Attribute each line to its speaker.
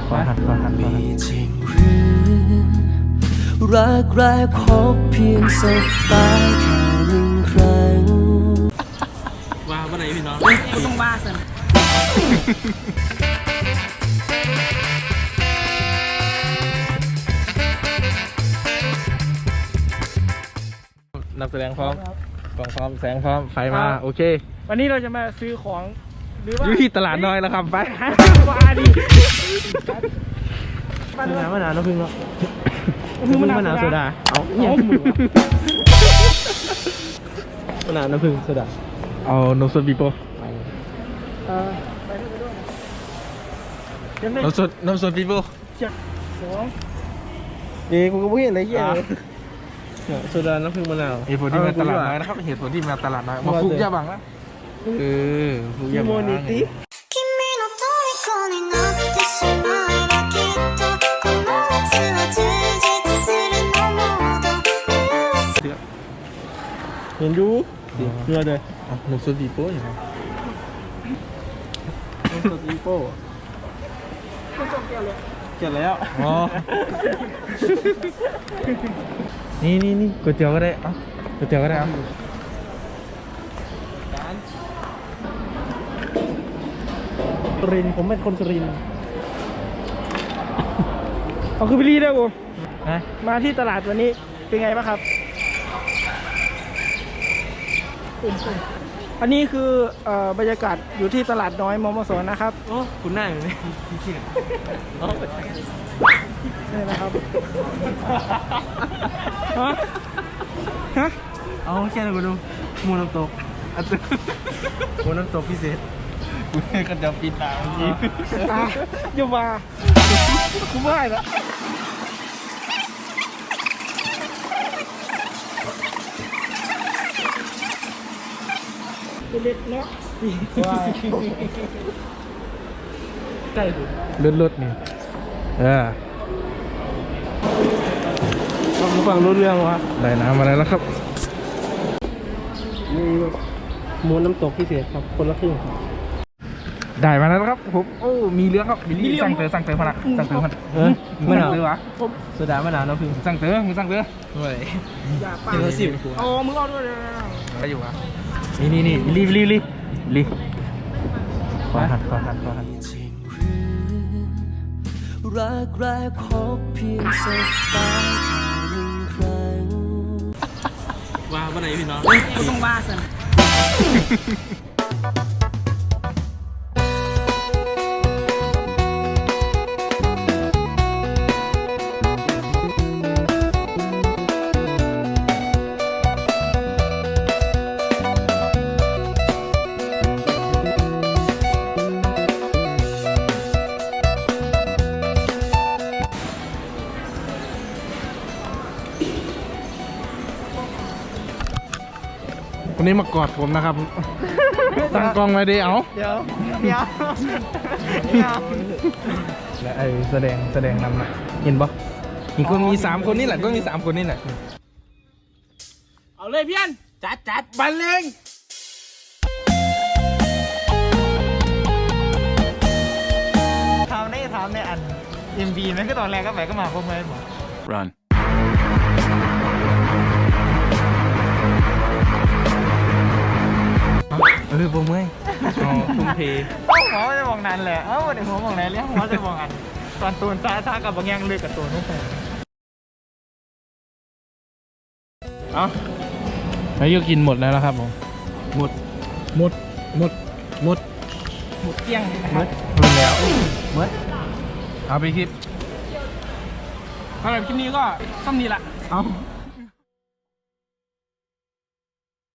Speaker 1: ขอหัน
Speaker 2: มีจริงหรือรักแรกพบเพียงสบตาแค่หนึ่งครั้ง
Speaker 1: ว่าไหนพี่น้อง
Speaker 3: กูต้องว่าสิ
Speaker 1: นับแสดงพร้อมกล่องพร้อมแสงพร้อมไฟมาโอเค
Speaker 3: วันนี้เราจะมาซื้อของหรือว่า
Speaker 1: อยู่ที่ตลาดน้อยแล้วครับไป
Speaker 3: ว่าดิ
Speaker 1: มะนาวน้ำผึ้งเนาะมะนาวโซดาเอาหมูมะนาวน้ำผึ้งโซดาเอานมสดบีโป้
Speaker 3: ไปด้วย
Speaker 1: นมสดบีโป้กูก็ไม่เห็นอะไรเหี้ยโซดาน้ำผึ้งมะนาวเหตุผลที่มาตลาดน้อยนะครับเหตุผลที่มาตลาดน้อยมาฟุกยาบังนะฟุกยาบังเห็นดูเนื้อเลยนมสดบีโป้อย่างไรนมสดบีโป้เกี่ยวแล้วอ๋อนี่ก๋วยเตี๋ยวก็ได้ก๋วยเตี๋ยวก็ได้สุรินทร์ผมเป็นคนสุรินทร์
Speaker 3: เอาคือพี่ลีได้กูมาที่ตลาดวันนี้เป็นไงบ้างครับอันนี้คือบรรยากาศอยู่ที่ตลาดน้อยมมสนะครับ
Speaker 1: โอ้คุณหน้าอยู่นี่พี่เชี่ย
Speaker 3: นี่นะครับฮะ
Speaker 1: เอาแค่ไหนกูดูมูน้ำตกมูน้ำตกพิเศษกูก็จะปิดตาเมื่อกี้
Speaker 3: อย่ามากูไม่ละเล็กเนาะใกล้
Speaker 1: รถนี่ฟังรู้เรื่องวะได้น้ำมาแล้วครับ
Speaker 3: มีหมูน้ำตกพิเศษครับคนละครึ่ง
Speaker 1: ได้มาแล้วครับผมโอ้มีเรื่องครับบิลลี่สั่งเตอพนักสั่งเตอพนักมะนาววะโซดามะนาวน้ำผึ้งสั่งเตอมึงสั่งเตอด้วย
Speaker 3: อย่าปากโอ้มึงเอาด้วย
Speaker 1: ไปอยู่วะนี่ลีขอหัน
Speaker 2: รักแรกพบเพียงสบตาแค่หนึ่งครั้ง
Speaker 1: ว่าไหนพี่น้อง
Speaker 3: กูต้องว่าสิ
Speaker 1: วันนี้มากอดผมนะครับตั้งกล้องไว้ดิเ
Speaker 3: ดี๋ยว
Speaker 1: และไอแสดงนำนะเห็นปะมีคนมี3 คนนี่แหละก็มี3 คนนี่แหละ
Speaker 3: เอาเลยพี่อันจัดบันเลงถามในอัน MV ไหมก็ตอนแรกก็ไปก็มาพวกเพื่อนบอก
Speaker 4: Run
Speaker 1: ผมเมื่อยทุ่มเท
Speaker 3: หัวจะมองนั้นแหละเดี๋ยวหัวมองไหนเรียกหัวจะมองอันตอนตูนท่ากับบางอย่างเลือกกับตัวนุ่งแผ่
Speaker 1: แล้วก็กินหมดแล้วนะครับผมหมด
Speaker 3: เกี้ยง
Speaker 1: หมดแล้วเอาไปคลิป
Speaker 3: สำหรับคลิปนี้ก็ซ้ำนี้ละ